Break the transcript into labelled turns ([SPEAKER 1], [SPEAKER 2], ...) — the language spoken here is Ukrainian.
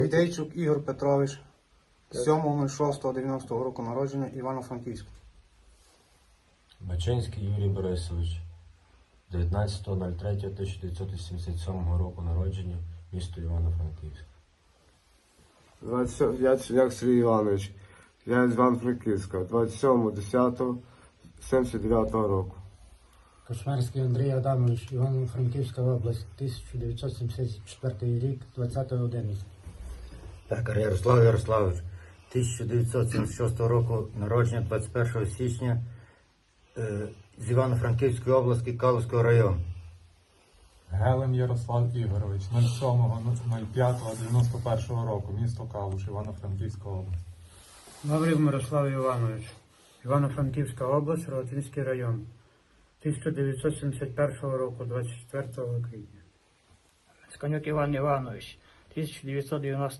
[SPEAKER 1] Гайдейчук Ігор Петрович, 7.06.90 року народження, Івано-Франківськ.
[SPEAKER 2] Бачинський Юрій Борисович, 19.03.1987 року народження, місто Івано-Франківськ.
[SPEAKER 3] 25 Сергій Іванович, я з Івано-Франківська, 27.10.79 року.
[SPEAKER 4] Кошмарський Андрій Адамович, Івано-Франківська область, 1974 рік, 20.11.
[SPEAKER 5] Пекар Ярослав Ярославович, 1976 року народження, 21 січня, з Івано-Франківської області, Калузького району.
[SPEAKER 6] Гелем Ярослав Ігорович, 07.05.91 року, місто Калуш, Івано-Франківська область.
[SPEAKER 7] Лаврів Мирослав Іванович, Івано-Франківська область, Рогатинський район, 1971 року, 24 квітня.
[SPEAKER 8] Сканюк Іван Іванович, 1990